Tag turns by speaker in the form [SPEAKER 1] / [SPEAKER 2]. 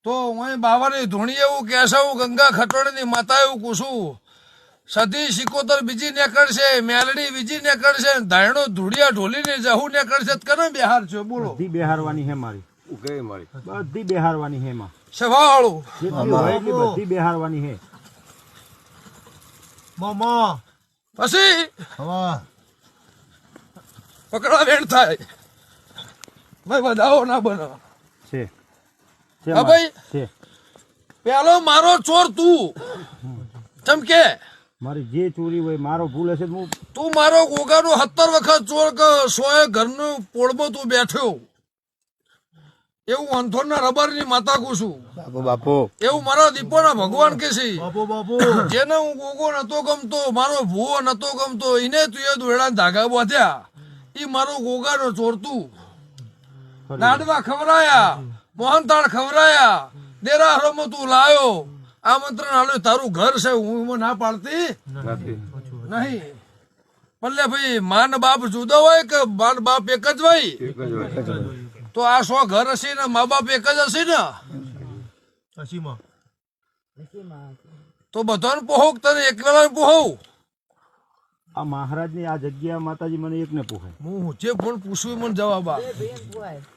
[SPEAKER 1] તો હું બાવાની ધૂણી એવું કેશવ ગંગા ખટોળીની માતા એવું કુશું સધી સિકોતર બીજી નીકળશે મેલડી બીજી નીકળશે ધાયણો ધૂળિયા ઢોલીને જહુ નીકળશે કને બિહાર છે બોલો
[SPEAKER 2] બધી બેહારવાની હે મારી બધી બેહારવાની હે માં
[SPEAKER 1] સવાળું
[SPEAKER 2] જેટલી હોય એટલી બધી બેહારવાની હે
[SPEAKER 3] મામા
[SPEAKER 1] પછી
[SPEAKER 3] હવા
[SPEAKER 1] પકડા વેણ થાય ભાઈ વધાવો ના બનો
[SPEAKER 2] છે
[SPEAKER 1] હા ભાઈ
[SPEAKER 2] છે
[SPEAKER 1] પેલો મારો ચોર તું ચમકે
[SPEAKER 2] મારી જે ચોરી હોય મારો ભૂલ હશે તો હું
[SPEAKER 1] તું મારો ગોગાનું 70 વખત ચોર કે સોએ ઘરનું પોળમાં તું બેઠ્યો એવું અંથોડના રબરની માતા કુશું
[SPEAKER 2] બાપુ
[SPEAKER 1] એવું મારા દીપોના ભગવાન કે છે
[SPEAKER 3] બાપુ બાપુ
[SPEAKER 1] જેને હું ગોગો નતો ગમતો મારો ભૂવો નતો ગમતો એને તું એ દોડા ધાગા બાંધ્યા ઈ મારો ગોગાનો ચોર તું લાડવા ખવરાયા મોહનતાળ ખવરાયા દેરાહરોમાં તું લાયો આમંત્રણ આલ્યું તારું ઘર છે હું એમાં ના પાડતી નહીં ભલે ભાઈ માન બાપ જુદો હોય કે માન બાપ એક જ હોય તો આ 100 ઘર હશે ને મા બાપ એક જ હશે ને
[SPEAKER 3] અસીમા
[SPEAKER 1] તો બધાને પોહો તને એકલા પોહો
[SPEAKER 2] આ મહારાજની આ જગ્યા માતાજી મને એકને પોહાય
[SPEAKER 1] હું જે પણ પૂછું મને જવાબ આ